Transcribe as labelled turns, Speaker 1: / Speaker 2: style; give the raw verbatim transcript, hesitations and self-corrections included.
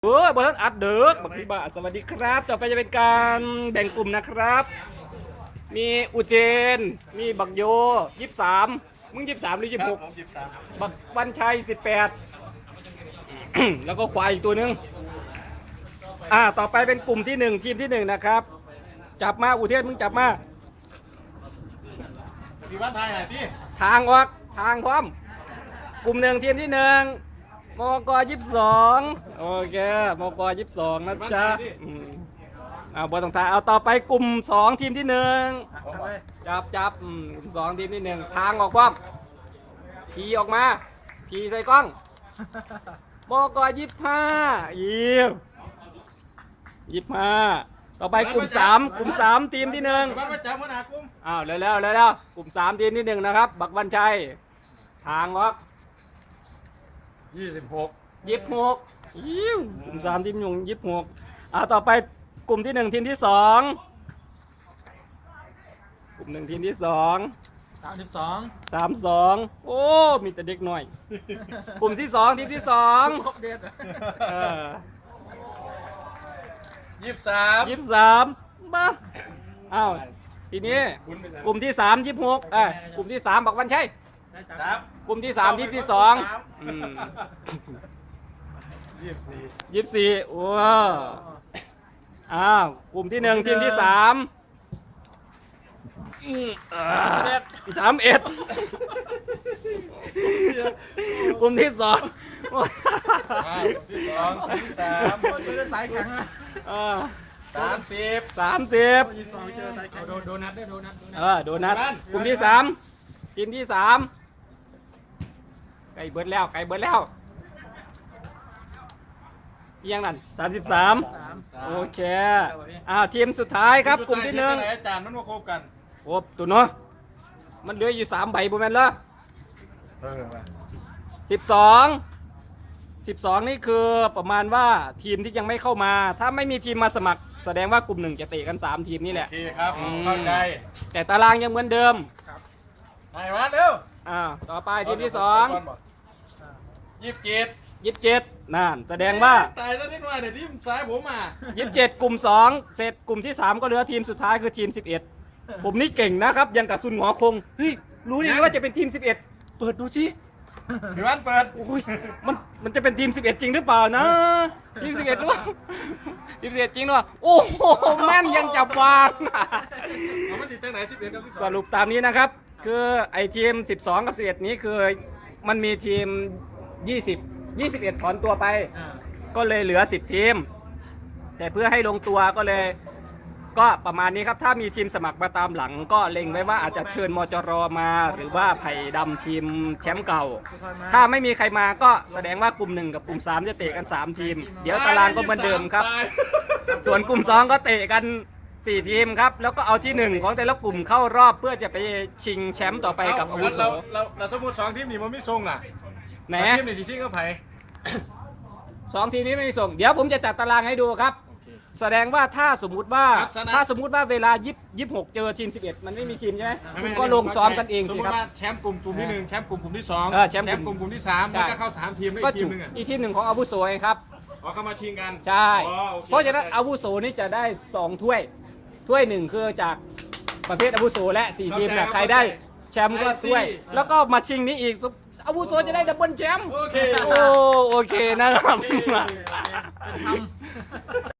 Speaker 1: เออบอลอัดเดิร์กบักพี่บ่าสวัสดีครับต่อไปจะเป็นการแบ่งกลุ่มนะครับ มีอุเจนมีบักโยยี่สิบสามมึงยี่สิบสามหรือยี่สิบหกบักวันชัยสิบแปด แล้วก็ควายอีกตัวหนึ่งอ่าต่อไปเป็นกลุ่มที่หนึ่งทีมที่หนึ่งนะครับ จับมาอุเทนมึงจับมา
Speaker 2: พี่บ้านไทยไหนที่
Speaker 1: ทางออกทางพร้อม กลุ่มหนึ่งทีมที่หนึ่งมกยี่สิบสองโอเคมกยี่สิบสองนะจ๊ะอืมเอาบอลต้องทายเอาต่อไปกลุ่มสองทีมที่หนึ่งจับจับอืมกลุ่มสองทีมที่หนึ่งทางออกพร้อมพีออกมาพีใส่กล้องมกยี่สิบห้ายี่ยี่สิบห้าต่อไปกลุ่มสามกลุ่มสามทีมที่หนึ่ง
Speaker 2: บ้านประจำมหากุม
Speaker 1: อ้าวเร็วเร็วเร็วเร็วกลุ่มสามทีมที่หนึ่งนะครับบักวันชัยทางออก
Speaker 2: ยี่สิบหก
Speaker 1: ยี่สิบหกยิ้วกลุ่มสามทีมหนุ่มยี่สิบหกเอาต่อไปกลุ่มที่หนึ่งทีมที่สองกลุ่มหนึ่งทีมที่สอง
Speaker 3: สามสิบสอง
Speaker 1: สามสองโอ้มีแต่เด็กหน่อย กลุ่มที่สองทีมที่สอง
Speaker 3: ครบเด็ด
Speaker 1: เออ
Speaker 2: ยี่สิบสาม
Speaker 1: ยี่สิบสามบ้าอ้าวทีนี้กลุ่มที่สามยี่สิบหกเอ้ยกลุ่มที่สามบอกวันใช่
Speaker 2: ครับ
Speaker 1: กลุ่มที่สามทีมที่สองอืม
Speaker 2: ยี่สิบสี่
Speaker 1: ยี่สิบสี่โอ้อ้าวกลุ่มที่หนึ่งทีมที่สามสามเอ็ดกลุ่มที่สอง
Speaker 2: ที่สองที่สาม
Speaker 3: เจอสายแข็งนะ
Speaker 1: อ่า
Speaker 2: สามสิบ
Speaker 1: สามสิบ
Speaker 3: ยี่สิบสองเจอสายแข็งโดนโดนัทได้โดนัท
Speaker 1: เออโดนัทกลุ่มที่สามทีมที่สามไก่เบิร์ดแล้วไก่เบิร์ดแล้วเอียงนั่นสามสิบสาม
Speaker 3: สาม
Speaker 1: โอเคอ้าวทีมสุดท้ายครับกลุ่มที่หนึ่ง
Speaker 2: อาจารย์มันมาคบกัน
Speaker 1: ครบตัวเนาะมันเหลืออยู่สามใบบุแมนละ
Speaker 2: เออ
Speaker 1: สิบสองสิบสองนี่คือประมาณว่าทีมที่ยังไม่เข้ามา ถ้าไม่มีทีมมาสมัคร แสดงว่ากลุ่มหนึ่งจะเตะกันสามทีมนี่แห
Speaker 2: โอ
Speaker 1: ละ
Speaker 2: เคครับเข้าใจ
Speaker 1: แต่ตารางยังเหมือนเดิม
Speaker 2: ไหนวะเร็ว
Speaker 1: อ่าต่อไปทีมที่สอง
Speaker 2: ยี่สิบเจ็ด
Speaker 1: ยี่สิบเจ็ดนั่นแสดงว่า
Speaker 2: ตายแล้วนิดหน่อยเนี่ยที่ซ้ายผมอ่ะ
Speaker 1: ยี่สิบเจ็ดกลุ่มสองเสร็จกลุ่มที่สามก็เหลือทีมสุดท้ายคือทีมสิบเอ็ดผมนี่เก่งนะครับยังกับซุนหงอคงเฮ้ยรู้ได้ไงว่าจะเป็นทีมสิบเอ็ดเปิดดูสิ
Speaker 2: พี่บ้านเปิด
Speaker 1: โอ้ยมันมันจะเป็นทีมสิบเอ็ดจริงหรือเปล่านะทีมสิบเอ็ดหรือเปล่าทีมสิบเอ็ดจริงหรือเปล่าโอ้โหแม่นยังจับวาง
Speaker 2: เอามันติดตั้งไหนสิบเอ็ดกับสิบส
Speaker 1: ส
Speaker 2: อง
Speaker 1: รุปตามนี้นะครับ คือไอทีมสิบสองกับสิบเอ็ดนี้คือมันมีทีมยี่สิบ ยี่สิบเอ็ดถอนตัวไป ก็เลยเหลือสิบทีม แต่เพื่อให้ลงตัวก็เลยก็ประมาณนี้ครับ ถ้ามีทีมสมัครมาตามหลัง ก็เล็งไว้ว่าอาจจะเชิญมจรมา หรือว่าไผ่ดำทีมแชมป์เก่า ถ้าไม่มีใครมาก็แสดงว่ากลุ่มหนึ่งกับกลุ่มสามจะเตะกันสามทีม เดี๋ยวตารางก็เหมือนเดิมครับ ส่วนกลุ่มสองก็เตะกันสี่ทีมครับ แล้วก็เอาที่หนึ่งของแต่ละกลุ่มเข้ารอบเพื่อจะไปชิงแชมป์ต่อไปกับอาวุโส
Speaker 2: เราเราเราสมมติสองทีมนี่มันไม่ทรงล่ะ
Speaker 1: ไหน
Speaker 2: ทีมนี่สิซิ่งก็ไผ่
Speaker 1: สองทีมนี้ไม่มีส่ง เดี๋ยวผมจะจัดตารางให้ดูครับ แสดงว่าถ้าสมมุติว่าถ้าสมมุติว่าเวลายี่สิบหกเจอทีมสิบเอ็ดมันไม่มีทีมใช่ไหมคุณก็ลงซ้อมกันเองสิครับ
Speaker 2: สมมติว่าแชมป์กลุ่มกลุ่มที่หนึ่งแชมป์กลุ่มกลุ่มที่สอง
Speaker 1: เออแชมป์กลุ่ม
Speaker 2: กลุ่มกลุ่มที่สาม
Speaker 1: ใช่
Speaker 2: มันก็เข้าสามทีมได้
Speaker 1: ก็
Speaker 2: อีกที
Speaker 1: จุ
Speaker 2: มหนึงอ่ะ
Speaker 1: อีกทีมหนึ่งของอาวุโสไงครับ
Speaker 2: อ๋อเข้ามาชิงกัน
Speaker 1: ใช่
Speaker 2: อ๋อโอค
Speaker 1: เพราะฉะนั้นอาวุโสนี่จะได้สองถ้วย ถ้วยหนึ่งคือจากประเภทอาวุโสและสี่ทีมเนี่ยใครได้แชมป์ก็ถ้วย แล้วก็มาชิงนี้อีกอาวุโสจะได้ดับเบิลแชมป์
Speaker 2: โอเค
Speaker 1: โอ้โอเคนะครับ
Speaker 3: เป็นทำ